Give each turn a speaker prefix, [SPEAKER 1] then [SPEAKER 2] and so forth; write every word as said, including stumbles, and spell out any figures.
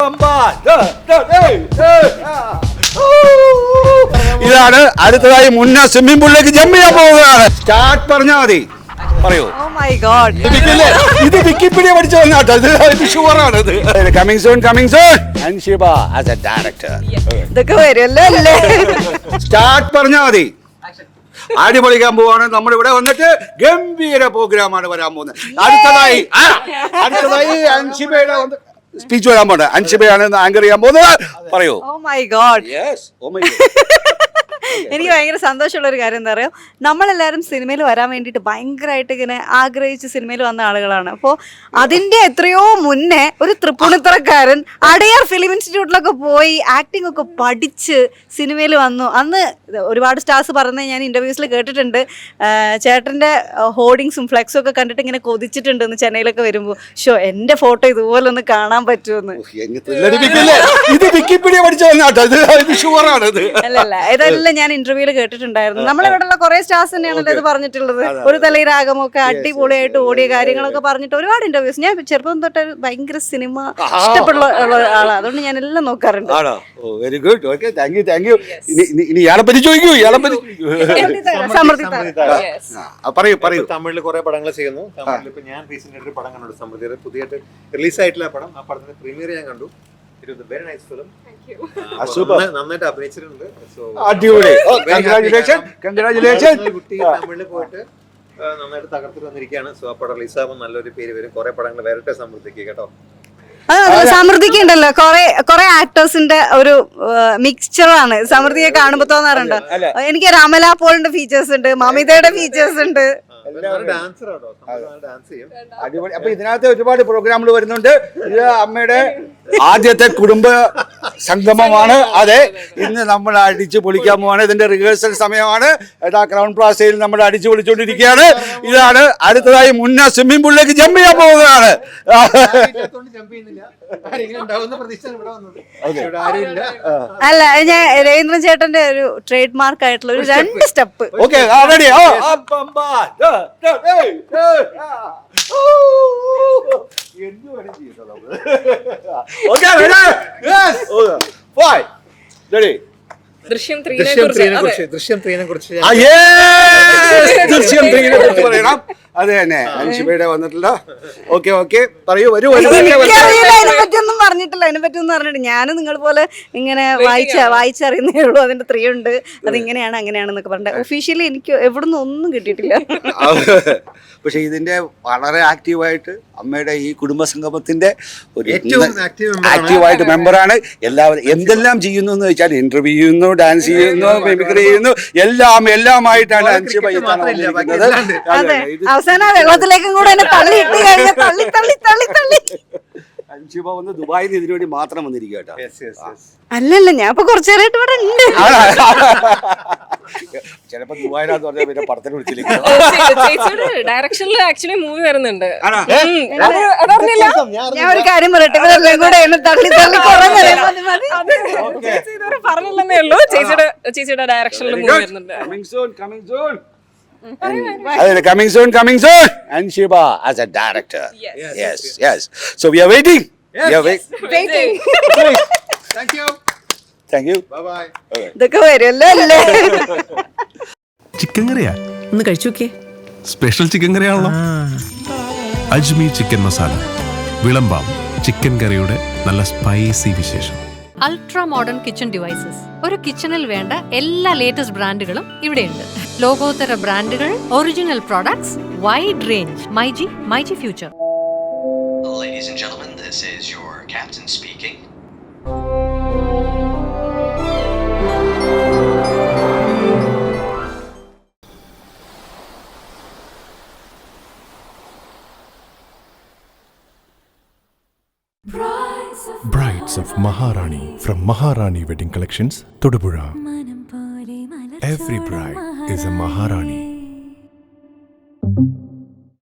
[SPEAKER 1] ഇതാണ് അടുത്തതായി മുന്ന സ്വിമ്മിംഗ് പൂളിലേക്ക് ജമ്പ് ചെയ്യാൻ പോവുകയാണ്. സ്റ്റാർട്ട് പറഞ്ഞാൽ മതി. പറയൂ. ഇത് വിക്കിപീഡിയ പഠിച്ചു വന്നാട്ടോ. ഇത് ഷുവറാണ്. ഇത് coming soon coming soon Anshiba as a director.
[SPEAKER 2] ഇതൊക്കെ വരുമല്ലോ അല്ലേ?
[SPEAKER 1] സ്റ്റാർട്ട് പറഞ്ഞാൽ മതി. അടിപൊളിക്കാൻ പോവാണ്. നമ്മൾ ഇവിടെ വന്നിട്ട് ഗംഭീര പ്രോഗ്രാമാണ് വരാൻ പോകുന്നത്. അടുത്തതായി അടുത്തതായി അൻഷിബയുടെ സ്പീച്ച് വരാൻ പോകുന്നത്. അൻഷിബയാണ് ആങ്കർ ചെയ്യാൻ പോകുന്നത്. പറയൂ.
[SPEAKER 2] Oh my god.
[SPEAKER 1] Yes oh my god.
[SPEAKER 2] എനിക്ക് ഭയങ്കര സന്തോഷമുള്ള ഒരു കാര്യം എന്താ പറയുക, നമ്മളെല്ലാവരും സിനിമയിൽ വരാൻ വേണ്ടിയിട്ട് ഭയങ്കരമായിട്ട് ഇങ്ങനെ ആഗ്രഹിച്ച് സിനിമയിൽ വന്ന ആളുകളാണ്. അപ്പോൾ അതിൻ്റെ എത്രയോ മുന്നേ ഒരു തൃപ്പൂണിത്തറക്കാരൻ അടയാർ ഫിലിം ഇൻസ്റ്റിറ്റ്യൂട്ടിലൊക്കെ പോയി ആക്ടിംഗ് ഒക്കെ പഠിച്ച് സിനിമയിൽ വന്നു. അന്ന് ഒരുപാട് സ്റ്റാർസ് പറയുന്നത് ഞാൻ ഇൻ്റർവ്യൂസിൽ കേട്ടിട്ടുണ്ട്. ചേട്ടൻ്റെ ഹോർഡിങ്സും ഫ്ലെക്സും ഒക്കെ കണ്ടിട്ട് ഇങ്ങനെ കൊതിച്ചിട്ടുണ്ടെന്ന് ചെന്നൈയിലൊക്കെ വരുമ്പോൾ. ഷോ എൻ്റെ ഫോട്ടോ ഇതുപോലെ ഒന്ന് കാണാൻ പറ്റുമെന്ന്.
[SPEAKER 1] ഇത് വിക്കിപീഡിയ പഠിച്ചു വന്നാട്ടോ. ഇത് ഷുവറാണ്.
[SPEAKER 2] അല്ലല്ല, ഇതെല്ലാം ഞാൻ ഇന്റർവ്യൂല് കേട്ടിട്ടുണ്ടായിരുന്നു. നമ്മളിവിടെയുള്ള കുറെ സ്റ്റാർസ് തന്നെയാണല്ലോ ഇത് പറഞ്ഞിട്ടുള്ളത്. ഒരു തലയിരാഗമൊക്കെ അടിപൊളിയായിട്ട് ഓടിയ കാര്യങ്ങളൊക്കെ പറഞ്ഞിട്ട് ഒരുപാട് ഇന്റർവ്യൂസ്. ഞാൻ ചെറുപ്പം തൊട്ട് ഭയങ്കര സിനിമ ഇഷ്ടപ്പെടുന്ന ആളാണ്. അതുകൊണ്ട് ഞാൻ എല്ലാം നോക്കാറുണ്ട്.
[SPEAKER 1] Very good. Okay, thank you thank you. ഇനി ഇയാളെ പറ്റി ചോദിക്കൂ. ഇയാളെ പറ്റി
[SPEAKER 2] സമൃദ്ധി
[SPEAKER 1] പറയൂ പറയൂ.
[SPEAKER 3] തമിഴിൽ കുറെ പടങ്ങൾ ചെയ്യുന്നു. തമിഴിൽ ഇപ്പൊ ഞാൻ റീസെന്റ് ഒരു പടം കണ്ടു. സമൃദ്ധിയുടെ പുതിയായിട്ട് റിലീസ് ആയിട്ടുള്ള പടം. ആ പടത്തിന്റെ പ്രീമിയർ ഞാൻ കണ്ടു. It was a very nice film. നന്നായിട്ട് അഭിനയിച്ചിട്ടുണ്ട്.
[SPEAKER 1] അടിപൊളി. Congratulation congratulation.
[SPEAKER 3] കുട്ടി തമിഴിൽ പോയിട്ട് നന്നായിട്ട് തകർത്തിട്ട് വന്നിരിക്കുകയാണ്. സോ ആ പടം റിലീസാകുമ്പോൾ നല്ലൊരു പേര് വരും. കുറെ പടങ്ങൾ വരട്ടെ സമൃദ്ധിക്ക് കേട്ടോ.
[SPEAKER 2] സമൃദ്ധിക്ക് ഉണ്ടല്ലോ കുറെ കുറെ ആക്ടേഴ്സിന്റെ ഒരു മിക്സ്ചറാണ് സമൃദ്ധിയെ കാണുമ്പോ തോന്നാറുണ്ട്. എനിക്ക് അമല പോളിന്റെ ഫീച്ചേഴ്സ് ഉണ്ട്, മമിതയുടെ ഫീച്ചേഴ്സ് ഉണ്ട്.
[SPEAKER 1] അടിപൊളി. അപ്പൊ ഇതിനകത്ത് ഒരുപാട് പ്രോഗ്രാമുകൾ വരുന്നുണ്ട്. ഇത് അമ്മയുടെ ആദ്യത്തെ കുടുംബ സംഗമമാണ്. അതെ, ഇന്ന് നമ്മൾ അടിച്ചു പൊളിക്കാൻ പോവാണ്. ഇതിന്റെ റിഹേഴ്സൽ സമയമാണ്. ഏതാ ക്രൗൺ പ്ലാസയിൽ നമ്മൾ അടിച്ചു പൊളിച്ചുകൊണ്ടിരിക്കുകയാണ്. ഇതാണ് അടുത്തതായി മുന്ന സ്വിമ്മിംഗ് പൂളിലേക്ക് ജമ്പ് ചെയ്യാൻ പോവുകയാണ്.
[SPEAKER 2] അല്ല, ഞാൻ രവീന്ദ്രൻ ചേട്ടന്റെ ഒരു ട്രേഡ് മാർക്ക് ആയിട്ടുള്ള ഒരു രണ്ട് സ്റ്റെപ്പ്.
[SPEAKER 1] Okay, ready.
[SPEAKER 3] ദൃശ്യം ത്രീനെ കുറിച്ച് ദൃശ്യം ത്രീനെ കുറിച്ച്
[SPEAKER 1] ദൃശ്യം ത്രീനെ കുറിച്ച് പറയണം. അത് തന്നെ അൻഷിബയുടെ വന്നിട്ടില്ല. ഓക്കെ ഓക്കെ, പറയൂ. വരൂ.
[SPEAKER 2] അതിനെപ്പറ്റിയൊന്നും പറഞ്ഞിട്ടില്ല. അതിനെ പറ്റിയൊന്നും പറഞ്ഞിട്ട് ഞാൻ നിങ്ങൾ പോലെ ഇങ്ങനെ വായിച്ച വായിച്ചറിയുന്നേ ഉള്ളൂ. അതിന്റെ ത്രീ ഉണ്ട്, അത് ഇങ്ങനെയാണ് അങ്ങനെയാണെന്നൊക്കെ പറഞ്ഞിട്ട് ഒഫീഷ്യലി എനിക്ക് എവിടുന്ന് ഒന്നും കിട്ടിയിട്ടില്ല.
[SPEAKER 1] പക്ഷെ ഇതിന്റെ വളരെ ആക്റ്റീവായിട്ട് അമ്മയുടെ ഈ കുടുംബ സംഗമത്തിന്റെ ഒരു ആക്റ്റീവായിട്ട് മെമ്പറാണ്. എല്ലാവരും എന്തെല്ലാം ചെയ്യുന്നു എന്ന് വെച്ചാൽ ഇന്റർവ്യൂ ചെയ്യുന്നു, ഡാൻസ് ചെയ്യുന്നു, മിമിക്രി ചെയ്യുന്നു, എല്ലാം എല്ലാമായിട്ടാണ് അൻഷിബ
[SPEAKER 2] അവസാനം വെള്ളത്തിലേക്കും കൂടെ എന്നെ തള്ളിയിട്ട് കഴിഞ്ഞാൽ തള്ളി തള്ളി തള്ളി തള്ളി
[SPEAKER 1] അൻഷിബ വന്ന് ദുബായിൽ ഇതിനു വേണ്ടി മാത്രം വന്നിരിക്കുക കേട്ടോ.
[SPEAKER 2] അല്ലല്ല, ഞാൻ ഇപ്പൊ കുറച്ചു നേരമായിട്ട് ഇവിടെ ഉണ്ട്.
[SPEAKER 1] ചിലപ്പോ ദുബായിലാന്ന് പറഞ്ഞാൽ പിന്നെ പടത്തിന് വിളിച്ചിരിക്കും.
[SPEAKER 4] ഡയറക്ഷനിൽ ആക്ച്വലി മൂവി വരുന്നുണ്ട്.
[SPEAKER 2] ഞാൻ ഒരു കാര്യം പറയട്ടെ, ഇവരെല്ലാം കൂടെ എന്നെ തള്ളി തള്ളി
[SPEAKER 4] പറഞ്ഞില്ലെന്നേ ഉള്ളൂ. ചേച്ചിയുടെ ചേച്ചിയുടെ ഡയറക്ഷനിൽ മൂവി വരുന്നുണ്ട്.
[SPEAKER 1] Coming soon, coming soon. Anshiba as a director. Yes, yes, yes. So we are waiting.
[SPEAKER 3] Yes.
[SPEAKER 1] We are wait-
[SPEAKER 2] waiting.
[SPEAKER 3] Thank you.
[SPEAKER 1] Thank you.
[SPEAKER 3] Bye bye.
[SPEAKER 2] ഇതൊക്കെ വരുമല്ലോ അല്ലേ?
[SPEAKER 5] ചിക്കൻ കറിയാ
[SPEAKER 6] ഒന്ന് കഴിച്ചു നോക്കിയേ.
[SPEAKER 5] സ്പെഷ്യൽ ചിക്കൻ കറിയാണല്ലോ. അജ്മി ചിക്കൻ മസാല വിളമ്പാം ചിക്കൻ കറിയുടെ നല്ല സ്പൈസി വിശേഷം.
[SPEAKER 7] Ultra modern kitchen devices. ഒരു കിച്ചണിൽ വേണ്ട എല്ലാ ലേറ്റസ്റ്റ് ബ്രാൻഡുകളും ഇവിടെയുണ്ട്. ലോകോത്തര ബ്രാൻഡുകൾ, original products, wide range. MyG, MyG future.
[SPEAKER 8] Ladies and gentlemen, this is your captain speaking.
[SPEAKER 5] Brides of Maharani from Maharani Wedding Collections, Todupuzha. Every bride is a Maharani.